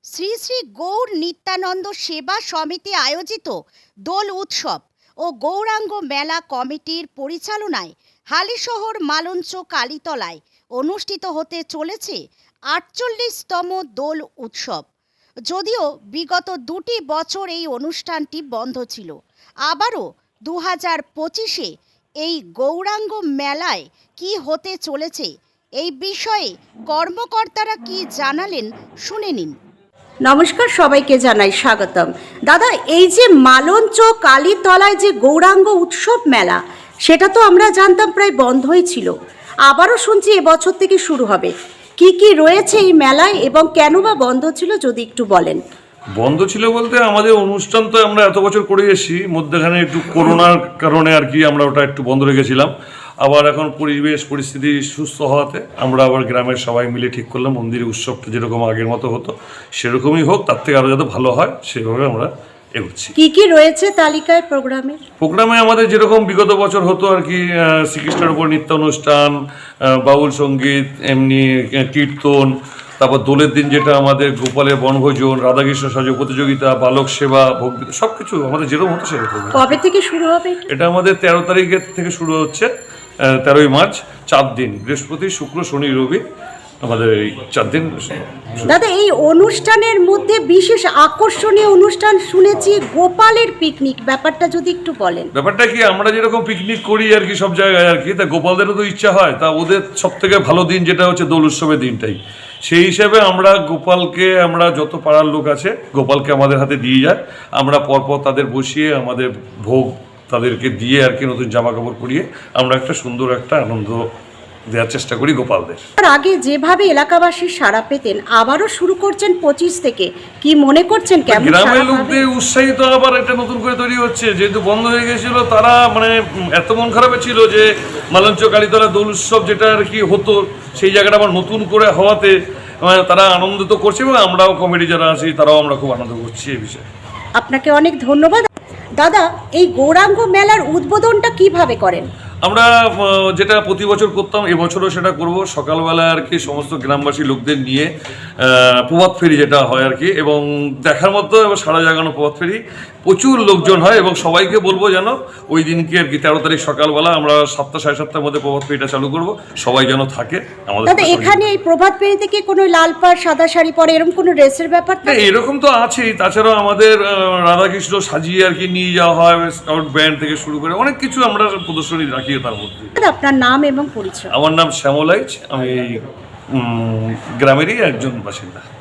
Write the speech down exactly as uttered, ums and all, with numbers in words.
শ্রী শ্রী গৌর নিত্যানন্দ সেবা সমিতি আয়োজিত দোল উৎসব ও গৌরাঙ্গ মেলা কমিটির পরিচালনায় হালিশহর মালঞ্চ কালীতলায় অনুষ্ঠিত হতে চলেছে আটচল্লিশতম দোল উৎসব। যদিও বিগত দুটি বছর এই অনুষ্ঠানটি বন্ধ ছিল, আবারও দু হাজার পঁচিশে এই গৌরাঙ্গ মেলায় কি হতে চলেছে এই বিষয়ে কর্মকর্তারা কি জানালেন শুনে নিন। নমস্কার, সবাইকে জানাই স্বাগতম। দাদা, এই যে মালঞ্চ কালীতলায় যে গৌরাঙ্গ উৎসব মেলা, সেটা তো আমরা জানতাম প্রায় বন্ধই ছিল, আবারও শুনছি এবছর থেকে শুরু হবে। কি কি রয়েছে এই মেলায় এবং কেন বা বন্ধ ছিল যদি একটু বলেন। বন্ধ ছিল বলতে আমাদের অনুষ্ঠান তো আমরা এত বছর করে এসেছি, মধ্যখানে একটু করোনার কারণে আর কি আমরা ওটা একটু বন্ধ রেখেছিলাম। আবার এখন পরিবেশ পরিস্থিতি সুস্থ হওয়াতে আমরা আবার গ্রামের সবাই মিলে ঠিক করলাম মন্দিরের উৎসবটা যেরকম আগের মতো হতো সেরকমই হোক, তার থেকে আরও যাতে ভালো হয় সেভাবে আমরা এগোচ্ছি। কি কি রয়েছে তালিকায় প্রোগ্রামে? প্রোগ্রামে আমাদের যেরকম বিগত বছর হতো আর কি, শ্রীকৃষ্ণের উপর নৃত্য অনুষ্ঠান, বাউল সঙ্গীত, এমনি কীর্তন, তারপর দোলের দিন যেটা আমাদের গোপালের বনভোজন, রাধাকৃষ্ণ সাজ প্রতিযোগিতা, বালক সেবা, ভক্তি, সব কিছু আমাদের যেরকম হতো সেরকম। কবে থেকে শুরু হবে? এটা আমাদের তেরো তারিখের থেকে শুরু হচ্ছে, তেরোই মার্চ, চার দিন, বৃহস্পতি শুক্র শনি রবি, আমাদের এই চার দিন। দাদা, এই অনুষ্ঠানের মধ্যে বিশেষ আকর্ষণীয় অনুষ্ঠান শুনেছি গোপালের পিকনিক, ব্যাপারটা যদি একটু বলেন। ব্যাপারটা কি, আমরা যেরকম পিকনিক করি আর কি সব জায়গায় আর কি, তা গোপালদেরও তো ইচ্ছা হয়, তা ওদের সব থেকে ভালো দিন যেটা হচ্ছে দোল উৎসবের দিনটাই। সেই হিসেবে আমরা গোপালকে, আমরা যত পাড়ার লোক আছে গোপালকে আমাদের হাতে দিয়ে যায়, আমরা পরপর তাদের বসিয়ে আমাদের ভোগ তাদেরকে দিয়ে আর কি নতুন জামা কাপড় পরিয়ে আমরা একটা সুন্দর একটা আনন্দ দেওয়ার চেষ্টা করি গোপালদের। আর আগে যেভাবে এলাকাবাসী সাড়া পেতেন, আবারও শুরু করছেন পঁচিশ থেকে, কি মনে করছেন কেমন? গ্রামের লোকদের উৎসাহিত আবার একটা নতুন করে তৈরি হচ্ছে, যেহেতু বন্ধ হয়ে গেছিল, তারা মানে এত মন খারাপে ছিল যে মালঞ্চ কালীতলা দোল উৎসব যেটা আর কি হতো সেই জায়গাটা আবার নতুন করে হওয়াতে তারা আনন্দিত করছে এবং আমরাও কমিটি যারা আছি তারাও আমরা খুব আনন্দ করছি এই বিষয়ে। আপনাকে অনেক ধন্যবাদ। দাদা, এই গৌরাঙ্গ মেলার উদ্বোধনটা কিভাবে করেন? আমরা যেটা প্রতি বছর করতাম এবছরও সেটা করব। সকালবেলা আর কি সমস্ত গ্রামবাসী লোকদের নিয়ে প্রভাত ফেরি যেটা হয় আর কি, এবং দেখার মতো এবং সারা জাগানো প্রভাত ফেরি, প্রচুর লোকজন হয় এবং সবাইকে বলবো যেন ওই দিনকে আর কি তেরো তারিখ সকালবেলা আমরা সাতটা সাড়ে সাতটার মধ্যে প্রভাত ফেরিটা চালু করব, সবাই যেন থাকে আমাদের। দাদা, এখানে এই প্রভাত ফেরি থেকে কোনো লাল পাড় সাদা শাড়ি পরে এরকম কোনো ড্রেসের ব্যাপার? এরকম তো আছেই, তাছাড়াও আমাদের রাধাকৃষ্ণ সাজিয়ে আর কি নিয়ে যাওয়া হয়, স্কাউট ব্যান্ড থেকে শুরু করে অনেক কিছু আমরা প্রদর্শনী রাখি তার মধ্যে। আপনার নাম এবং পরিচয়? আমার নাম শ্যামলাইচ, আমি গ্রামেরই একজন বাসিন্দা।